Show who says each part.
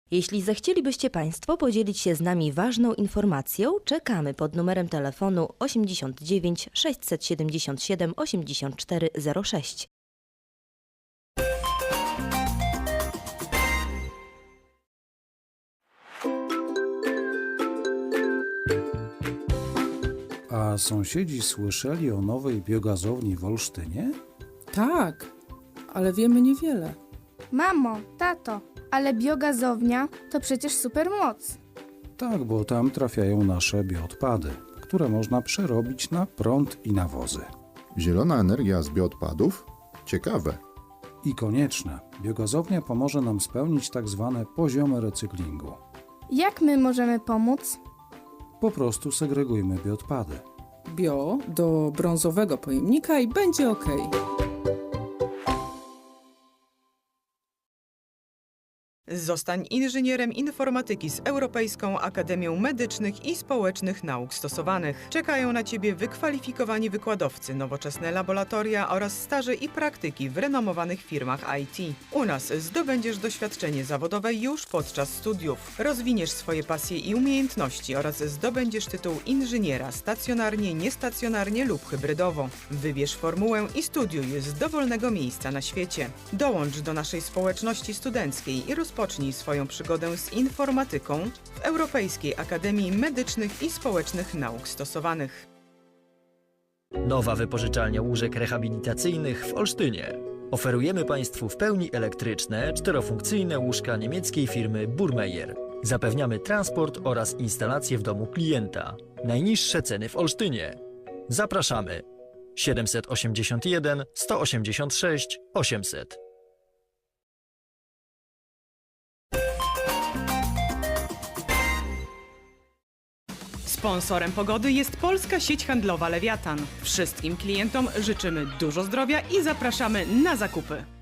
Speaker 1: Jeśli zechcielibyście Państwo podzielić się z nami ważną informacją, czekamy pod numerem telefonu 89 677 8406.
Speaker 2: A sąsiedzi słyszeli o nowej biogazowni w Olsztynie?
Speaker 3: Tak, ale wiemy niewiele.
Speaker 4: Mamo, tato, ale biogazownia to przecież supermoc.
Speaker 2: Tak, bo tam trafiają nasze bioodpady, które można przerobić na prąd i nawozy.
Speaker 5: Zielona energia z bioodpadów? Ciekawe.
Speaker 2: I konieczne, biogazownia pomoże nam spełnić tak zwane poziomy recyklingu.
Speaker 4: Jak my możemy pomóc?
Speaker 2: Po prostu segregujmy bioodpady.
Speaker 3: Bio do brązowego pojemnika i będzie ok.
Speaker 6: Zostań inżynierem informatyki z Europejską Akademią Medycznych i Społecznych Nauk Stosowanych. Czekają na Ciebie wykwalifikowani wykładowcy, nowoczesne laboratoria oraz staże i praktyki w renomowanych firmach IT. U nas zdobędziesz doświadczenie zawodowe już podczas studiów. Rozwiniesz swoje pasje i umiejętności oraz zdobędziesz tytuł inżyniera stacjonarnie, niestacjonarnie lub hybrydowo. Wybierz formułę i studiuj z dowolnego miejsca na świecie. Dołącz do naszej społeczności studenckiej i rozpocznij swoją przygodę z informatyką w Europejskiej Akademii Medycznych i Społecznych Nauk Stosowanych.
Speaker 7: Nowa wypożyczalnia łóżek rehabilitacyjnych w Olsztynie. Oferujemy Państwu w pełni elektryczne, czterofunkcyjne łóżka niemieckiej firmy Burmeier. Zapewniamy transport oraz instalację w domu klienta. Najniższe ceny w Olsztynie. Zapraszamy. 781 186 800.
Speaker 6: Sponsorem pogody jest polska sieć handlowa Lewiatan. Wszystkim klientom życzymy dużo zdrowia i zapraszamy na zakupy.